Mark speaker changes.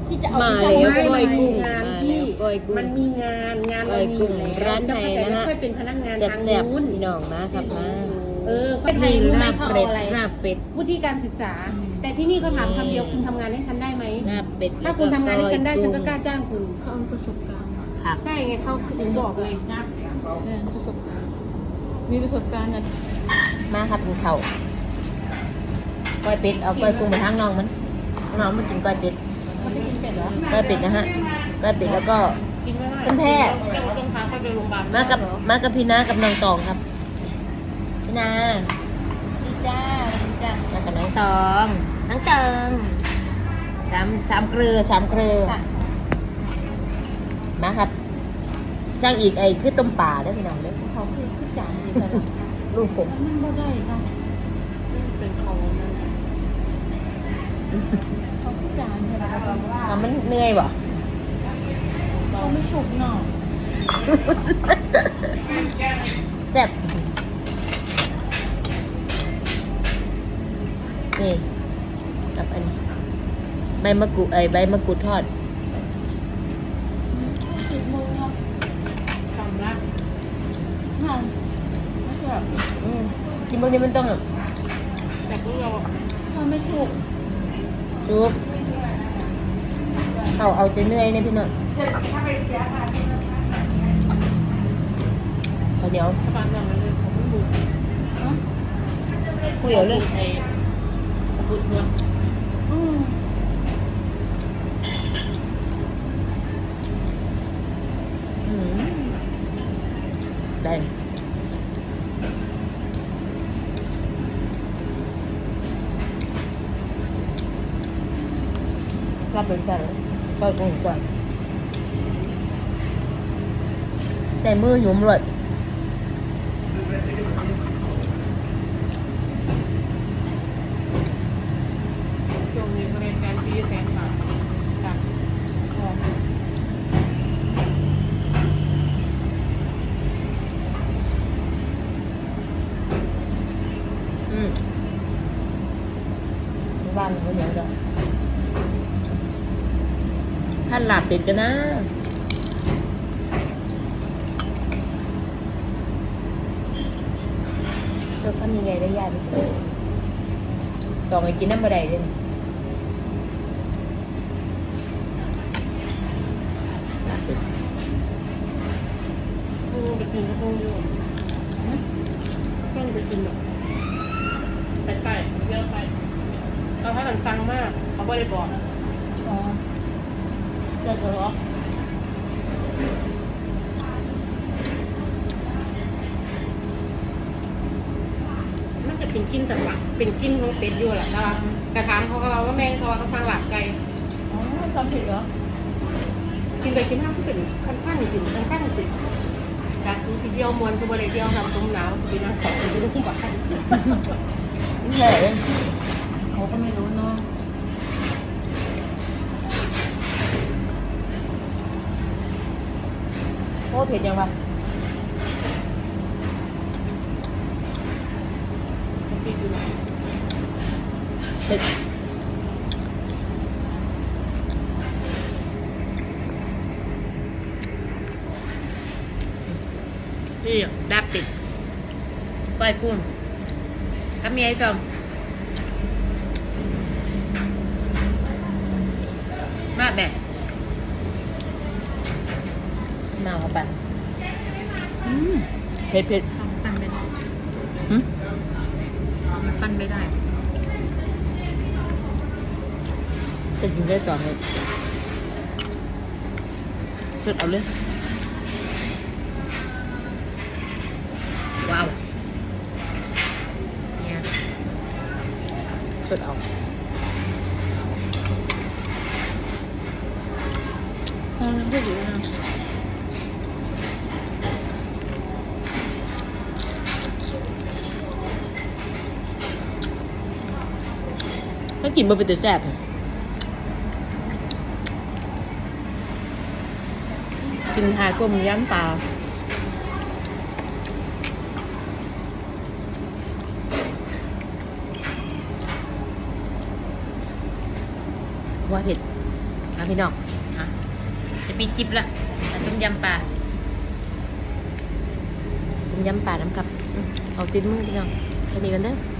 Speaker 1: ที่จะเอา
Speaker 2: มา
Speaker 1: ไป
Speaker 2: แล้ว
Speaker 1: ใส่
Speaker 2: ก้อยกุ้ง
Speaker 3: งาน
Speaker 2: มา
Speaker 3: ที่
Speaker 2: แล้วก้อยกุ้ง
Speaker 3: มันมีงาน
Speaker 2: ก้อยกุ้ง
Speaker 3: แล้ว
Speaker 2: ร้านไทยนะฮะ
Speaker 3: ค่อยเป็นพนักงานทาง
Speaker 2: แซ่บ
Speaker 3: นู้น
Speaker 2: ๆพี่น้องมาครับมา
Speaker 3: ค่อยไทย
Speaker 2: นี่
Speaker 3: รู้ไหม
Speaker 2: ลาบ
Speaker 3: เขา
Speaker 2: เป็
Speaker 3: เอา
Speaker 2: ด
Speaker 3: อะไร
Speaker 2: ลาบเป็ด
Speaker 3: วุฒิการศึกษา แต่ที่นี่เขาถามคำเดียวคุณทำงานให้ฉันได้ไหม
Speaker 2: ลาบเป็ด
Speaker 3: ถ้าคุณทำงานให้ฉันได้ฉันก็กล้า
Speaker 2: จ้
Speaker 3: จ้างคุณ
Speaker 1: เขาเอาประสบการณ์
Speaker 2: ผัก
Speaker 3: ใช่ไงเขาถึงบอกไง
Speaker 1: ประสบการณ์มีประสบการณ์นะ
Speaker 2: มาครับกินข้าวก้อยเป็ดเอาก้อยกุ้งไปทางน้องมันน้องมากินก้อยเป็ด
Speaker 1: เขาไม่กินเป็ดเหรอ
Speaker 2: ก้อยเป็ดนะฮะก้อยเป็ดแล้วก็
Speaker 3: กินไม่ได้
Speaker 2: คุณแพทย์
Speaker 3: ต้องพาเขาไปโรงพยาบาล
Speaker 2: มากับพี่นากับน้องตองครับพี่นา
Speaker 1: ดีจ้าดีจ้า
Speaker 2: มากับน้องตองน้องตองสามเกลือมาครับสร้างอีกไอ้คือต้มป่าได้อพี่น้องเด้อ
Speaker 1: เขาคือจานดีกัน
Speaker 2: ลูกผม
Speaker 1: มันบ่ได้เนาะ
Speaker 3: เป็นของนั่น
Speaker 1: เขาคือจานใช่ไหม
Speaker 2: มันเหนื่อยบ่
Speaker 1: เขาไม่ฉุกเนาะ
Speaker 2: แซ่บนี่กับอันนี้ใบมะกรูดใบมะกรูดทอด
Speaker 1: ฉุกมือเนาะ
Speaker 3: สำลัก
Speaker 1: ค่ะไม่ใช่แบบ
Speaker 2: กินพวกนี้มันต้อง
Speaker 3: แต่พวกเรา
Speaker 1: เขาไม่ฉุก
Speaker 2: ซุปเอาจะเหนื่อยเนี่ยพี่น้องข้าวเหนียว
Speaker 3: บ้านเราเลยผมไม่บุก
Speaker 2: คุยเอาเรื่อง
Speaker 3: ไอ้บุกเนี่ย
Speaker 1: อืม
Speaker 2: อืมได้รับเป็นแซ่บก็คงก่อนใส่มือหยุมเลย
Speaker 3: ช่วงนี้บริการปีแสนบาทค่ะ
Speaker 2: อืมบ้านเขาเหนียวจ้ะท่านหลับเป็ดกันนะชอบคนนี้ไงได้ยากไม่ใช่ต่อไปกินน้ำบะไดด้วยนี่ลาบเป็ด
Speaker 3: ไปกินก็คงอยู่ช่วงไปกินแบบไปเยอะไปเราให้กันสั่งมากเขาไม่ได้บอก
Speaker 1: อ๋อเดี๋ยวเหรอ
Speaker 3: มันจะเป็นกินจากหลักเป็นกินของเป็ดอยู่แหละแต่ว่ากระถามเขาก็เราว่าแม่เขาว่าเขาสั่งหลักไก่
Speaker 1: อ๋อทำผิดเหรอ
Speaker 3: กินไปกินมาก็เป็นขั้นกินการซูซีเดียวมวนซูบะเลยเดียวทำต้มหนาวสุบินังสองสุบินังบ้าน
Speaker 2: ไม่ใช่เลย
Speaker 1: เขาก็ไม่รู้เนาะ
Speaker 2: โอ้เผ็ดยังวะ
Speaker 3: ปิดอยู่นะ
Speaker 2: เผ็ดนี่ดาบเป็ดก้อยกุ้งกับเมียไอ้ตอมมาแบบมาเอาไปเผ็ดเผ็ด
Speaker 1: ทำปั้นไม่ได้
Speaker 2: หืม
Speaker 1: มันปั้นไม่ได้
Speaker 2: จะกินได้ต่อเลยชดเอาเลยว้าวเนี่ยชดเอา
Speaker 1: ไม่รู้นะ
Speaker 2: ถ้ากินบ่เป็นตัวแซ่บกินทาก้มย่ำปลาว่าเผ็ดนะพี่น้องฮะจะปีจิบละต้มยำปลาต้มยำปลาน้ำกับเอาติดมือพี่น้องแค่นี้กันเด้อ